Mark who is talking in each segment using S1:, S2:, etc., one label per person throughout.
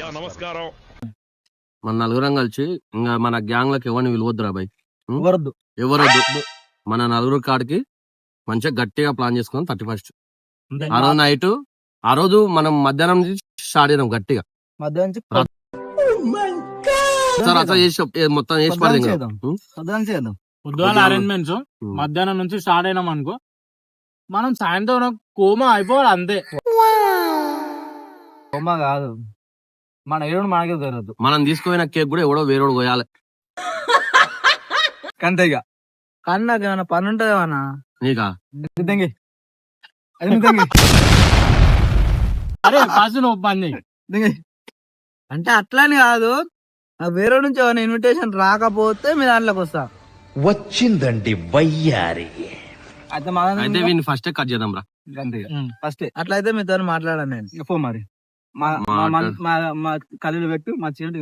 S1: నమస్కారం.
S2: మన నలుగురం కలిసి ఇంకా మన గ్యాంగ్ లకు ఎవరిని విలువద్దురా బాయ్, ఎవరొద్దు. మన నలుగురు కాడికి మంచిగా గట్టిగా ప్లాన్ చేసుకున్నాం 31st. ఆ రోజు నైట్, ఆ రోజు మనం మధ్యాహ్నం నుంచి స్టార్ట్ అయినాం గట్టిగా. అట్లా చేసి మొత్తం చేసి
S3: పొద్దుగాల అరేంజ్మెంట్స్ మధ్యాహ్నం నుంచి స్టార్ట్ అయినాం అనుకో, మనం సాయంత్రం కోమా అయిపోవాలి అంతే.
S4: కోమా కాదు, మన ఏడు మనకే తెలియదు.
S2: మనం తీసుకుపోయిన కేక్ కూడా ఎవడో వేరేడు పోయాలి
S4: అంతేగా. కానీ నాకు ఏమైనా పని ఉంటది అన్న
S2: నీకా?
S3: అరే ఫస్ట్ నువ్వు పని
S4: అంటే అట్లాని కాదు, వేరే నుంచి ఏమైనా ఇన్విటేషన్ రాకపోతే మీ దాంట్లోకి వస్తా.
S1: వచ్చిందండి వయ్యారి.
S2: అయితే వీడిని ఫస్ట్ కట్ చేద్దాం రా.
S4: ఫస్ట్ అట్లయితే మీతో మాట్లాడాను నేను. ఫోన్ మరి మా కళ్ళు పెట్టు మా చేతి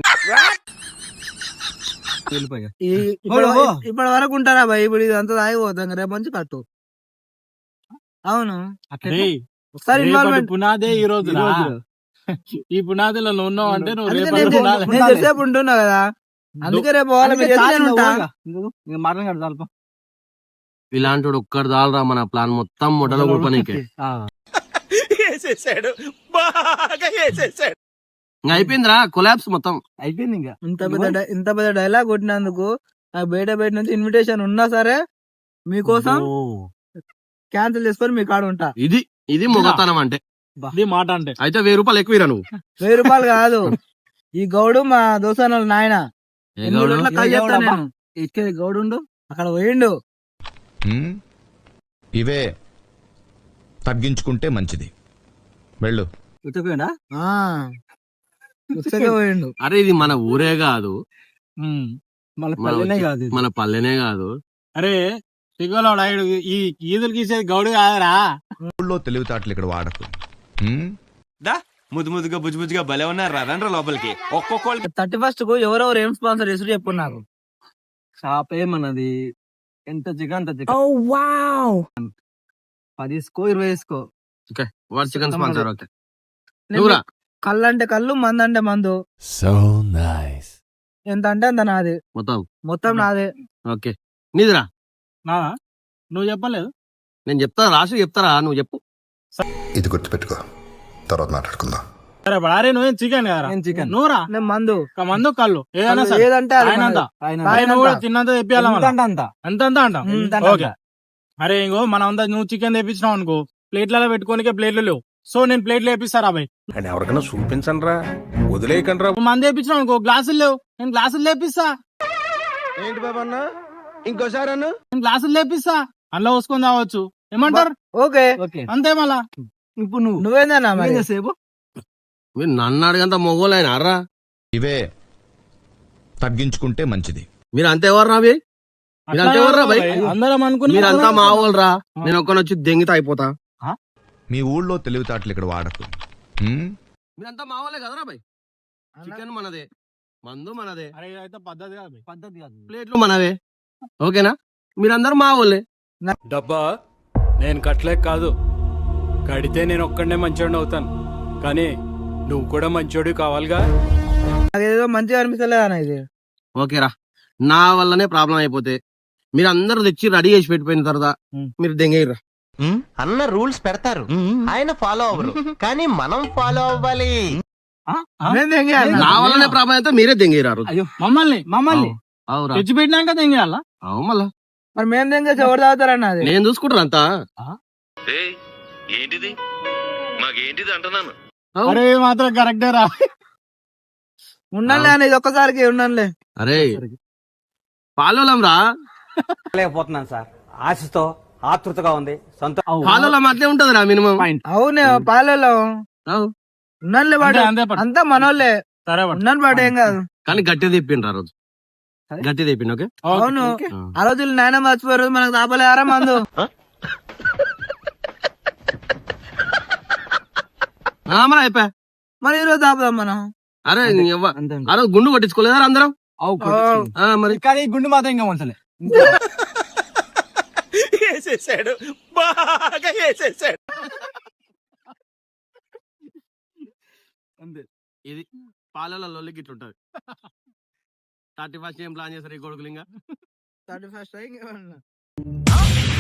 S4: ఇప్పటి వరకు ఉంటారా భయ్? ఇప్పుడు ఇదంతా తాగిపోతాం, రేపు మంచి కట్టు. అవును, ఒకసారి
S3: పునాదే ఈ రోజు. ఈ పునాదిలో నువ్వు ఉన్నావు అంటే
S4: నేను చెప్పేపు ఉంటున్నా కదా, అందుకే రేపు మాట్లాడతాను.
S2: ఇలాంటి ఒక్కడు దాల్రా మన ప్లాన్ మొత్తం మొదలు కూర్పనీకే. ఇంకా అయిపోయిందిరా, కొలాబ్స్ మొత్తం
S4: అయిపోయింది. ఇంకా ఇంత పెద్ద డైలాగ్ కొట్టినందుకు నాకు బయట నుంచి ఇన్విటేషన్ ఉన్నా సరే మీకోసం క్యాన్సిల్ చేసుకొని మీ కాడ ఉంటా.
S2: ఇది మొగతనం అంటే,
S3: మాట అంటే.
S2: అయితే 1000 రూపాయలు ఎక్కువ నువ్వు.
S4: 1000 రూపాయలు కాదు, ఈ గౌడు మా దోసాన నాయన ఇచ్చేది గౌడు అక్కడ పోయిండు.
S1: ఇవే తగ్గించుకుంటే మంచిది, వెళ్ళు.
S4: పోయిండు.
S2: అరే ఇది మన ఊరే కాదు, మన పల్లెనే కాదు.
S3: అరే సిగ్గులోడు ఈ ఈదులు గీసేది గౌడు కాదరా.
S1: ఊళ్ళో తెలివితేటలు ఇక్కడ వాడకు.
S5: ముద్దుగా బుజ్జుగా భలే ఉన్నారు. రండ్రా లోపలికి. ఒక్కొక్కళ్ళకి
S4: 31st కు ఎవరెవరు ఏం స్పాన్సర్ చేసి చెప్పు నాకు. షాప్ ఏమన్నది, ఎంత చికెన్ 10 ఇసుకో 20 ఇసుకో.
S2: Chicken sponsor. ఓకే,
S4: కళ్ళు అంటే కళ్ళు, మందు అంటే మందు.
S1: So nice.
S4: ఎంత అంటే అంత నాది, మొత్తం నాదే.
S2: ఓకే, నీదిరా.
S3: నువ్వు చెప్పలేదు,
S2: నేను చెప్తా. రాసి చెప్తారా? నువ్వు చెప్పు.
S6: ఇది గుర్తుపెట్టుకో, తర్వాత మాట్లాడుకుందాం.
S3: సరే అరే నువ్వేం చికెన్ కదా,
S4: చికెన్.
S3: నువ్వురా
S4: మందు
S3: కళ్ళు ఏదైనా
S4: ఏదంటే
S3: తిన్నంత తెప్పియాలి. అంత ఓకే. అరే ఇంకో మనం అంతా నువ్వు చికెన్ తెప్పించినావు అనుకో, ప్లేట్లలో పెట్టుకోనికే ప్లేట్లు లేవు. సో నేను ప్లేట్లు వేపిస్తారా బాయ్?
S1: ఎవరికైనా చూపించండి రా, వదిలేయకండి రా.
S3: మంది వేపించినావు అనుకో, గ్లాసులు లేవు, నేను గ్లాసులు లేపిస్తా.
S5: ఏంటి బాబా అన్న, ఇంకోసారి అన్న,
S3: నేను గ్లాసులు లేపిస్తా, అందులో పోసుకొని తాగొచ్చు. ఏమంటారు?
S4: ఓకే
S3: అంతే. మళ్ళా
S4: ఇప్పుడు నువ్వేందన్నా సేపు
S2: మీరు నన్ను అడిగంత మొగోలైన అర్రా.
S1: ఇవే తగ్గించుకుంటే మంచిది.
S2: మీరు అంతేవర్రా అవి, మీరు అంతేవర్రా భయ్.
S3: అందరం అనుకుని
S2: మీరంతా మా వాళ్ళరా, నేను ఒక్కనొచ్చి దెంగితే అయిపోతా.
S1: మీ ఊళ్ళో తెలివితేటలు ఇక్కడ వాడకు.
S2: మీరంతా మా వాళ్ళే కదరా భయ్. చికెన్ మనదే, మందు మనదే,
S3: పద్ధతి కాదు,
S2: ప్లేట్లు మనవే. ఓకేనా? మీరందరూ మా వాళ్ళే.
S7: డబ్బా నేను కట్టలేక కాదు, కడితే నేను ఒక్కడనే మంచోడిని అవుతాను, కానీ నువ్వు కూడా మంచోడు కావాలిగా.
S4: అదేదో మంచిగా అనిపిస్తలేదు అన్న ఇది.
S2: ఓకేరా, నా వల్లనే ప్రాబ్లం అయిపోతే మీరు అందరూ తెచ్చి రెడీ చేసి పెట్టిపోయిన తర్వాత మీరు దెంగేయరా.
S5: అన్న రూల్స్ పెడతారు, ఆయన ఫాలో అవ్వరు, కానీ మనం ఫాలో అవ్వాలి.
S2: నా వల్లనే ప్రాబ్లం అయితే మీరే దెంగేయరారు.
S3: మమ్మల్ని తెచ్చి పెట్టినాక దెంగేయాలా?
S2: అవు మళ్ళా
S4: మరి మేము దెంగేసి ఎవరు తాగుతారన్న? అది
S2: నేను చూసుకుంటారు అంతా.
S1: ఏంటిది మాకేంటిది అంటున్నాను.
S3: అరే మాత్రం కరెక్టే రా.
S4: ఉండంలే అన్న, ఇది ఒక్కసారికి ఉండంలే.
S2: అరే పాలోలం రా.
S8: లేకపోతున్నాను సార్, ఆశతో ఆతృతగా ఉంది.
S2: పాలోలం అట్లే ఉంటది రా మినిమం.
S4: అవునే పాలలో ఉన్నానులే వాడు, అంతా మనోళ్ళే. ఉన్నాను పాటు ఏం కాదు,
S2: కానీ గట్టి తెప్పిండ్రు ఆ రోజు, గట్టి తెప్పిండు. ఓకే
S4: అవును. ఆ రోజు నాయన మర్చిపోయారు, మనకు తాపలేరా మందు.
S2: మరి అయిపోయా,
S4: మరి ఈ రోజు తాపుదాం మనం.
S2: అరే ఆ రోజు గుండు కొట్టించుకోలేదా అందరం? మరి
S3: కానీ గుండు మాత్రం ఇంకా వంచలే.
S5: వేసేసాడు, బాగా వేసేసాడు.
S2: ఇది పాలలో లొల్లికి ఇట్లుంటది 31st ఏం ప్లాన్ చేస్తారు ఈ కొడుకులు ఇంకా
S4: 31st